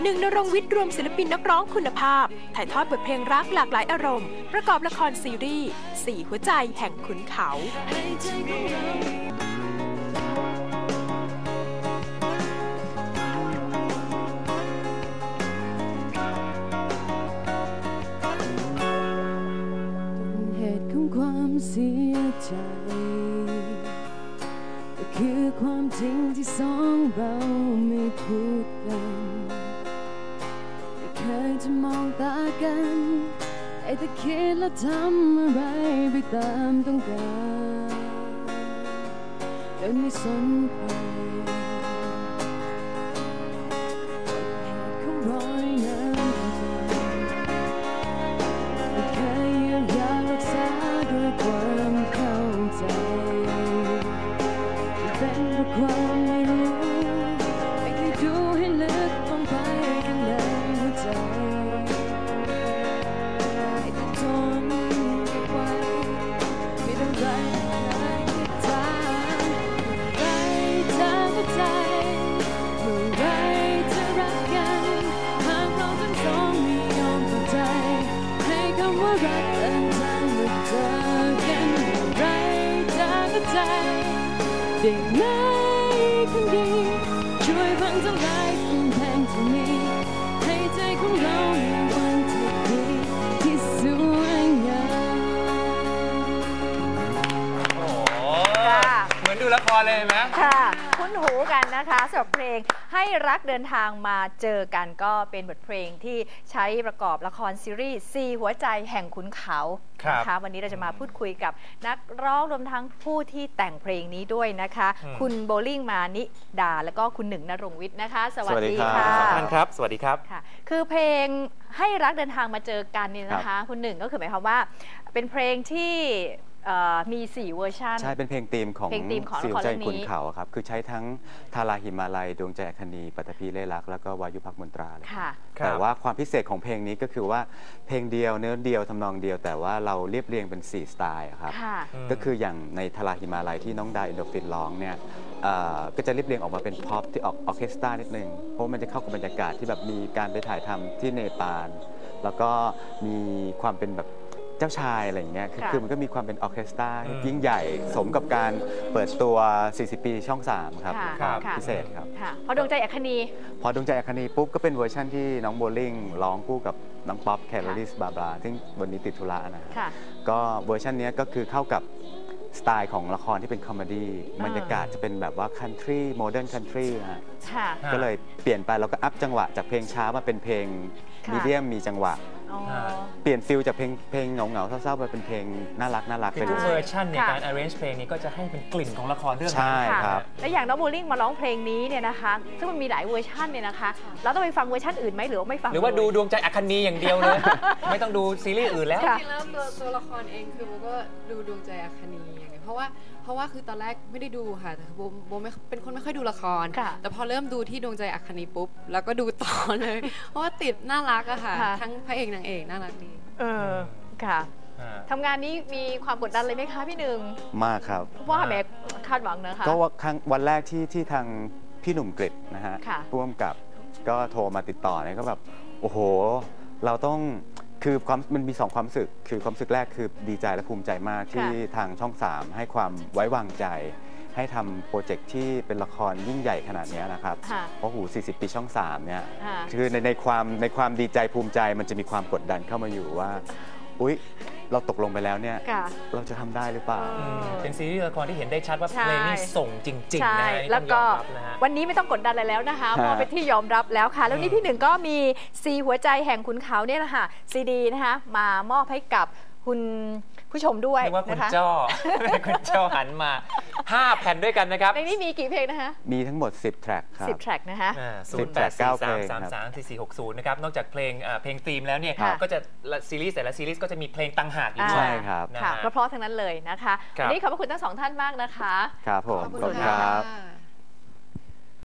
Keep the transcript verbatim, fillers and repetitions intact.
หนึ่งณรงค์วิทย์รวมศิลปินนักร้องคุณภาพถ่ายทอดบทเพลงรักหลากหลายอารมณ์ประกอบละครซีรีส์สี่หัวใจแห่งขุนเขาเหตุของความเสียใจก็คือความจริงที่สองเราไม่พูดกันไม่เคยจะมองตากันไอ้แต่คิดแล้วทำอะไรไปตามต้องการโดยไม่สนใครเหตุของรอยน้ำไม่เคยเยียวยารักษาด้วยความเข้าใจเป็นเพราะความไม่รู้ไม่เคยดูให้ลึกลงไปข้างในหัวใจให้ต้องทนเก็บไว้ไม่ต้องไรไม่ทางเมื่อไรจะเข้าใจเมื่อไรจะรักกันหากเราทั้งสองไม่ยอมเข้าใจให้คำว่ารักเดินทางมาเจอกันเมื่อไรจะเข้าใจได้ไหมคนดีช่วยฟังทั้งหลายคำแพงที่มีให้ใจของเราในวันที่ดีที่สวยงามโอ้เหมือนดูละครเลยไหมค่ะคุ้นหูกันนะคะสำหรับเพลงให้รักเดินทางมาเจอกันก็เป็นบทเพลงที่ใช้ประกอบละครซีรีส์สี่หัวใจแห่งขุนเขานะคะวันนี้เราจะมาพูดคุยกับนักร้องรวมทั้งผู้ที่แต่งเพลงนี้ด้วยนะคะคุณโบลิ่งมานิดาแล้วก็คุณหนึ่งณรงค์วิทย์นะคะสวัสดีค่ะท่านครับสวัสดีครับค่ะคือเพลงให้รักเดินทางมาเจอกันนี่นะคะคุณหนึ่งก็คือหมายความว่าเป็นเพลงที่มีสี่เวอร์ชันใช่เป็นเพลงธีมของสี่หัวใจขุนเขาครับคือใช้ทั้งทาราหิมาลัยดวงใจอัคนีปัตภีเล่รักแล้วก็วายุพักมนตราเลยแต่ว่าความพิเศษของเพลงนี้ก็คือว่าเพลงเดียวเนื้อเดียวทำนองเดียวแต่ว่าเราเรียบเรียงเป็นสี่สไตล์ครับก็คืออย่างในทาราหิมาลัยที่น้องดาอินโดฟินร้องเนี่ยก็จะเรียบเรียงออกมาเป็นพ็อปที่ออกออร์เคสตรานิดนึงเพราะมันจะเข้ากับบรรยากาศที่แบบมีการไปถ่ายทำที่เนปาลแล้วก็มีความเป็นแบบเจ้าชายอะไรอย่างเงี้ย คือมันก็มีความเป็นออร์เคสตรายิ่งใหญ่สมกับการเปิดตัวสี่สิบปีช่องสามครับพิเศษครับพอดวงใจอัคนีพอดวงใจอัคนีปุ๊บก็เป็นเวอร์ชั่นที่น้องโบลิ่งร้องคู่กับน้องป๊อปแคลอริสบาบาซึ่งวันนี้ติดธุระนะก็เวอร์ชันนี้ก็คือเข้ากับสไตล์ของละครที่เป็นคอมเมดี้บรรยากาศจะเป็นแบบว่าคันทรีโมเดิร์นคันทรีฮะก็เลยเปลี่ยนไปแล้วก็อัพจังหวะจากเพลงช้ามาเป็นเพลงมีเดียมมีจังหวะเปลี่ยนฟิลจากเพลงเพลงเหงาๆเศร้าๆไปเป็นเพลงน่ารักน่ารักเป็นเวอร์ชันในการ arrange เพลงนี้ก็จะให้เป็นกลิ่นของละครเรื่องนี้ใช่ครับและอย่างน้องโบลิ่งมาร้องเพลงนี้เนี่ยนะคะซึ่งมันมีหลายเวอร์ชันเนี่ยนะคะเราต้องไปฟังเวอร์ชันอื่นไหมหรือว่าไม่ฟังหรือว่าดูดวงใจอัคนีอย่างเดียวเลยไม่ต้องดูซีรีส์อื่นแล้วจริงๆแล้วตัวตัวละครเองคือโบก็ดูดวงใจอัคนีอย่างเงี้ยเพราะว่าเพราะว่าคือตอนแรกไม่ได้ดูค่ะแต่โบโบไม่เป็นคนไม่ค่อยดูละครแต่พอเริ่มดูที่ดวงใจอัคนีปุ๊บแล้วก็ดูต่อเลยเพราะว่าติดน่ารักอะค่ะทั้งพระเอกนางเอกน่ารักดีเออค่ะทำงานนี้มีความกดดันเลยไหมคะพี่หนึ่งมากครับว่าแม่คาดหวังนะคะก็ว่าครั้งวันแรกที่ที่ทางพี่หนุ่มกฤษนะฮะร่วมกับก็โทรมาติดต่อเนี่ยก็แบบโอ้โหเราต้องคือความมันมีสองความรู้สึกคือความรู้สึกแรกคือดีใจและภูมิใจมากที่ทางช่องสามให้ความไว้วางใจให้ทำโปรเจกต์ที่เป็นละครยิ่งใหญ่ขนาดนี้นะครับเพราะหูสี่สิบปีช่องสามเนี่ยคือในในความในความดีใจภูมิใจมันจะมีความกดดันเข้ามาอยู่ว่าอุ๊ยเราตกลงไปแล้วเนี่ยเราจะทำได้หรือเปล่าเป็นซีรีส์ละครที่เห็นได้ชัดว่าเพลงนี้ส่งจริงๆนะแล้วก็วันนี้ไม่ต้องกดดันอะไรแล้วนะคะเพราะเป็นที่ยอมรับแล้วค่ะแล้วนี้พี่หนึ่งก็มีซีหัวใจแห่งขุนเขาเนี่ยนะคะซีดีนะคะมามอบให้กับคุณผู้ชมด้วยนะคะว่าคุณจ้อคุณจ้อหันมาห้าแผ่นด้วยกันนะครับในนี้มีกี่เพลงนะคะมีทั้งหมดสิบแทร็กครับสิบแทร็กนะคะศูนย์ แปด สี่ สาม สาม สาม สี่ สี่ หก ศูนย์นะครับนอกจากเพลงเพลงธีมแล้วเนี่ยก็จะซีรีส์แต่ละซีรีส์ก็จะมีเพลงต่างหากอยู่ด้วยใช่ครับค่ะเพราะๆทั้งนั้นเลยนะคะวันนี้ขอบพระคุณทั้งสองท่านมากนะคะครับผมขอบคุณครับ